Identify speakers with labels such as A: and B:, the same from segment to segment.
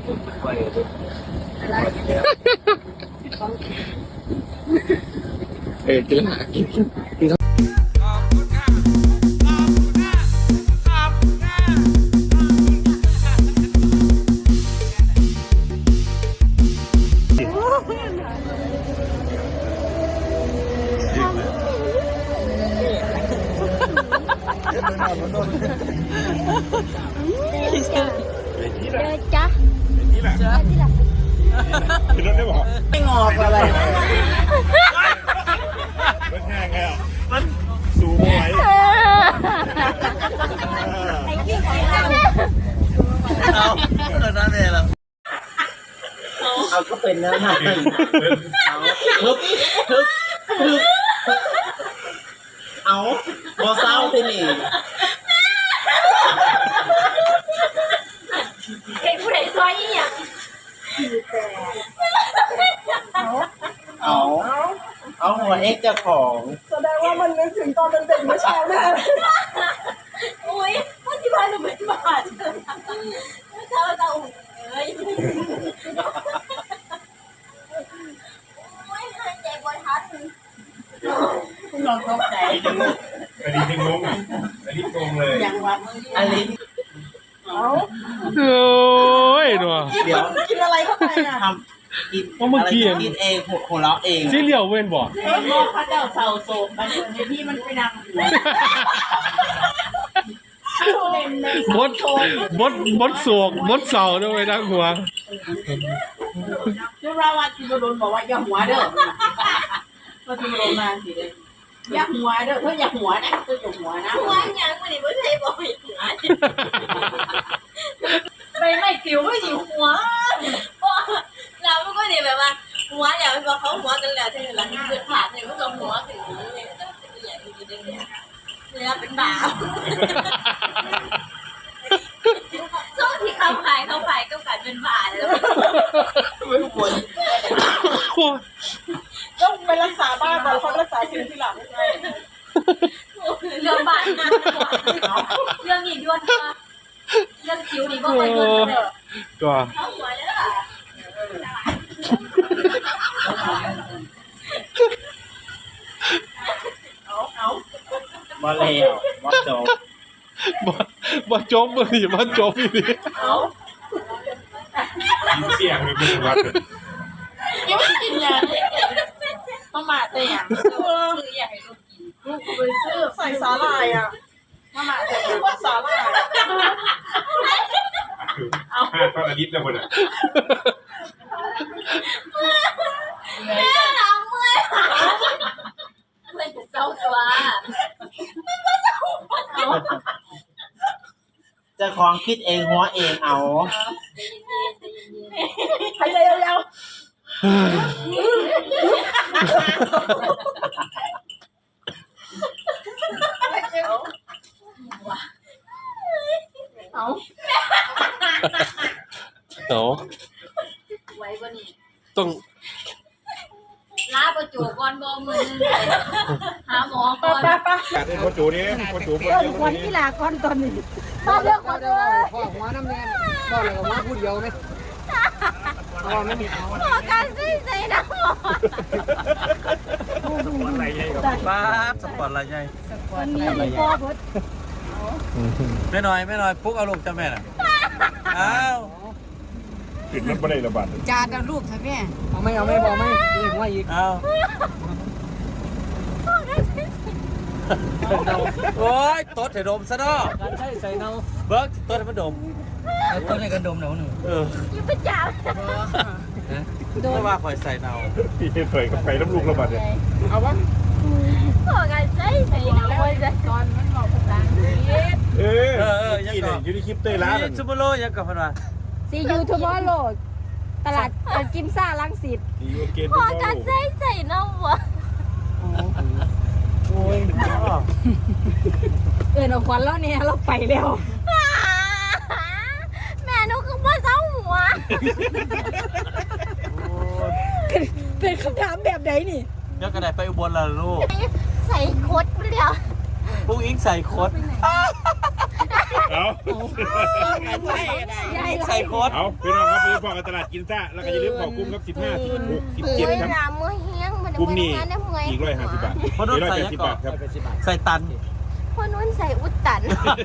A: กินหากิน
B: จ้ะนี่แหละคือรถได้บอกไม่งอกอะไรมันแห้งไงอ่ะมันสูงไหว
C: เอาก็เป็นแล้วนะเอาบอเศร้าสินี่
D: เห็นผู้ใดซอยอีหยัง
C: เอาหัวเอ็กเจ้าของ
E: แสดงว่ามันนึกถึงตอนเป็นเด็กเมื่อเช้าแน่
D: อุ้ยว่าที่บ้านหนูเป็นบาทเมื่อเช้าเราเอ้ยโอ้ยหายใจบ่ทัน
C: นอนตกใจ
B: อันนี้งงอันนี้งงเลย
C: ยังวะอันนี้
A: โอ้ยหนัว
C: เดี๋ยว
E: กินอะไรเข้าไปอ่ะ
C: ทำกินอะไรกินเองหัวเราะเอง
A: ซีเรียลเว้นบอก
C: พระเจ้าเสาโศกมันในที่มันไปนั่ง
A: หัวบดโศกบดเสาด้วยนะหัว
C: จุฬาวัดจิโดนบอกว่าอย่าหัวเด้อมาจิโดนมาสิเลยอย่าหัวเด้อเพื่ออย่าหัวนะเพื่ออย่าหัวนะ
D: หัวยังมันนี่ไม่ใช่บ่อยหัวไม่ผิวไม่หิวหัวเราไม่ก็เนี่ยแบบว่าหัวเดี๋ยวพอเขาหัวกันแล้วถึงหลังเกิดผ่านเนี่ยก็จะหัวถึงเนี่ยก็จะใหญ่ดีๆเนี่ยเป็นบ่าวช่วงที่เขาขายก็ขายเป็นบ่าวแล้ว
C: ไม่ควร
E: ต้องไปรักษาบ้านก่อนเขารักษาสิ่งที่หลัง
D: เรื่องบ้านนะเรื่องนี้ด้วยนะเรื่องคิ้วนี่ก็ไปด้วยเลย
A: ก็
D: เขาหัวแล้ว
C: บ่แล้วบ่จบ
A: บ่จบเลยบ่จบอีก
B: เสียงเลยพี่วัด
E: ยังไม่กินยามาหมาแต่ยัง
D: คืออยากให้ลูกกิน
E: ลูกไปซื้อใส่สาหร่ายอ่ะมาหมาแต่ยังว่าสาหร่าย
B: เอาตอนอาทิตย์แล้วคนอ่ะ
D: แม่น้ำเมื่อยเมื่อยจะเศร้าตัวมันก็จะหัว
C: จะของคิดเองหัวเองเอา
E: หายใจยาว
A: เอา
D: ไว้บ่นี่
A: ต้อง
D: ลาประจูก่อนบ่มือหาหมอก่อน
E: ป้า
B: โคจูนี่โคจู
E: วันที่ลาก่อนตอนนี้
D: มาเลือกคนเลย
E: พ่อหัวน้ำแดงพ่อเลยหัวพูดเดียวไหมพ่อไม่มีเอา
D: หมอการซื้อใจนะหมอ
B: อะไรใหญ่กับ
F: ป้าสปอร์ตอะไรใหญ่
E: พ่อพุทธ
F: ไม่น้อยปุ๊กเอาลูกจ้าแม่น่ะอ้าว
B: ติดรถไม่ได้ระบาด
E: จานเอาลูกใช่ไหมเอาไม่บอกไม่เรียกว่าอีก
F: อ้าวโอ้ยตดให้ดมซะเนาะ
E: ใช่ใส่เนา
F: เบิร์กตดให้มันดม
E: ต้นในกันดมเนาหนึ่ง
D: ยิ่งเป็นจ่า
F: โดนว่าคอยใส่เนา
B: พี่เคยกับไปน้ำลูกระบาดเนี่ย
E: เอาวะ
D: หมอการใช้ใจนะโอ้ยตอนมันบอกภาษาอังกฤษ
B: ยังไงอยู่ในคลิปเต้ร้าน
F: ซูเปอร์โลยังกับมันว่า
E: ซียูทูบอร์โหลดตลาดกิมซ่าลังสิต
D: หมอการใส่น้ำวะ
F: โอ้ย
E: เอาควันแล้วเนี่ยเราไปแล้ว
D: แม่หนูคือพ่อเจ้าหัว
E: เป็นคำถามแบบไหนนี่
F: เดี๋ยวกระไดไปอุบลล่ะลูก
D: ใส่โคตรเดียว
F: ปุ๊กอิงใส่โคตร
B: เอา
F: ใส่โค้ด
B: เอาพี่น้องครับพี่พ่อกับตลาดกินซ่าแล้วก็อย่าลืมขอบคุณครับ15 16 17ครับ
G: มือเฮี้ยงมัน
B: กลุ่มนี้
G: ได้เมื่อย
B: อีก150 บาท
F: พอนุ่นใส่
B: 180 บาทครับ
F: ใส่ตัน
G: พ่อนุ่นใส่อุดตัน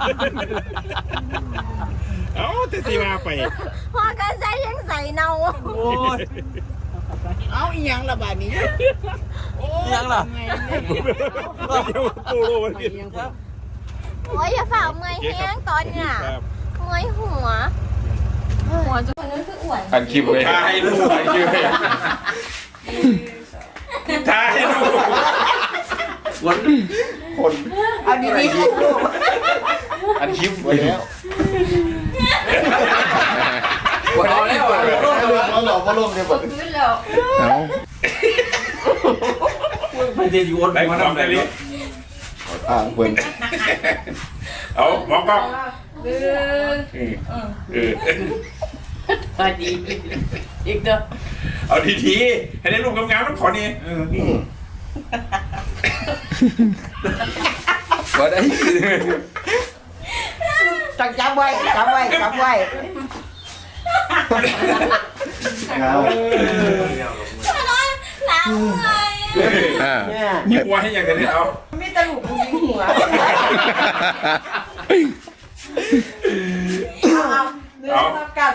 B: เอาแต่สีมาไป
G: พ่อก็ใส่ยังใส่เนา
F: โอ้ย
C: เอาอีหยังละบาดนี้
F: ยังล่ะ
B: เดี๋ยวตู้โลมันกิน
G: โอ้ยอย่าฝ่าเมื่อยเฮี้ยงตอนเนี่ย
B: ครับ
G: เมื่อยหัวจะคนนั้นคืออ้วน
A: อันคลิปเลย
B: ถ่ายรูปถ่ายคลิปถ่ายรูป
C: เอาดีๆลูก
A: อันคลิปไว้แล้ว
F: เอาแล้วอ่ะ
A: เอาหลอกมาลงเนี่ยบ่
G: ขึ้นแล้ว
A: เอา
F: ไปเดี๋ยววน
B: ไป
F: มา
B: ทำ
F: ทำ
B: ได้
F: อะไร
B: ดิ
A: อ่างเพิ่น
B: เอามองกล้อง
C: พอดีอีกเด้อ
B: เอาดีๆให้ได้รูปงามๆต้องขอนี่
A: บ่ได้
C: ต้องจำไว้จำไว้จำไว้
A: เอา
D: หลังเลย
A: อ่า
C: เนี่ย
B: มีหัวให้อย่างนี้เอา
C: มีตะลุกผู้หญิงหัวเอาเนื้อกัน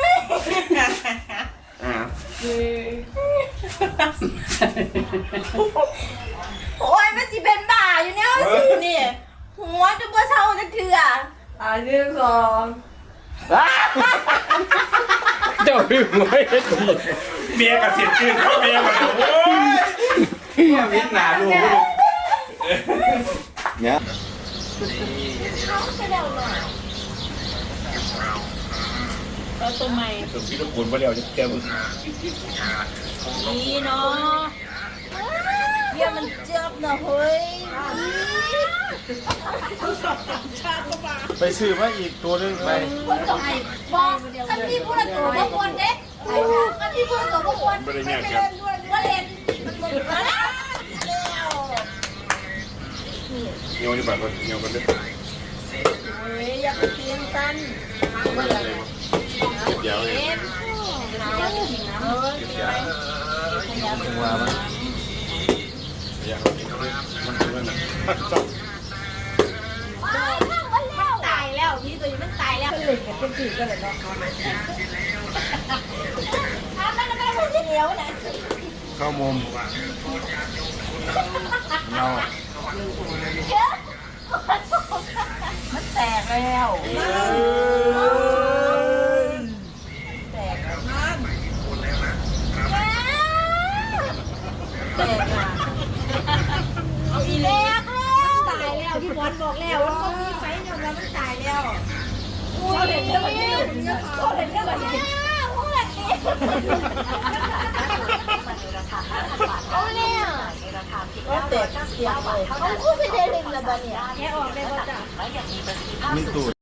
D: โอ้ยมันสิเป็นบ้าอยู่เนี่ยสินี่หัวจะบ่เศร้าจะเถื่อ
C: เนื้อสอง
A: เจ้าหึงไว้ดี
B: เมียกับเสียจืดเขาเมียมาโอ้ย
F: วิทย์หนาดู
A: เนี่ย
D: ตัวใหม่
B: ถึงพี่ลูกคุณมาเร็วจะเต็ม
D: ดีเนาะเยี่ยมันเจ็บนะเฮ้ย
F: ไปซื้อมาอีกตัวนึงไป
D: คนต่อไปบอกกันที่พูดตัวบ่ควรเด้กันที่พูดตัวบ่ควร
B: ไม่ได้ยากครับ
D: ว่าเล่นมันหมดแล้ว
B: เงี้ยวนี่แบบว่าเงี้ยวกันด้วย
D: เฮ้ยอย่าไปเตียงกัน
B: เดี๋ยวเลย
F: ว่ามัน
B: เดี๋ยวมันคือมันจบ
D: ตายแล้วพี่ตัวนี้มันตายแล้วเล่นกันเป็นจีกันเลยเนาะถ้ามันไม่ได้พูดที่เหนียวนะ
A: เข้ามุมเรา
C: มันแตกแล้ว
D: เอาอีเล็กตายแล้วพี่บอลบอกแล้วว่ามันมีไฟยอมแล้วมันตายแล้วอุ้ยเห็นเรื่องแบบนี้เห็นเรื่องแบบนี้พูดแบบนี้เอาเนี่ยก็แตกเสียไปเอาคู่ไปเดลิงละบ้าเนี่ยแค่ออกได้ก็จ้ะ
A: มีตูด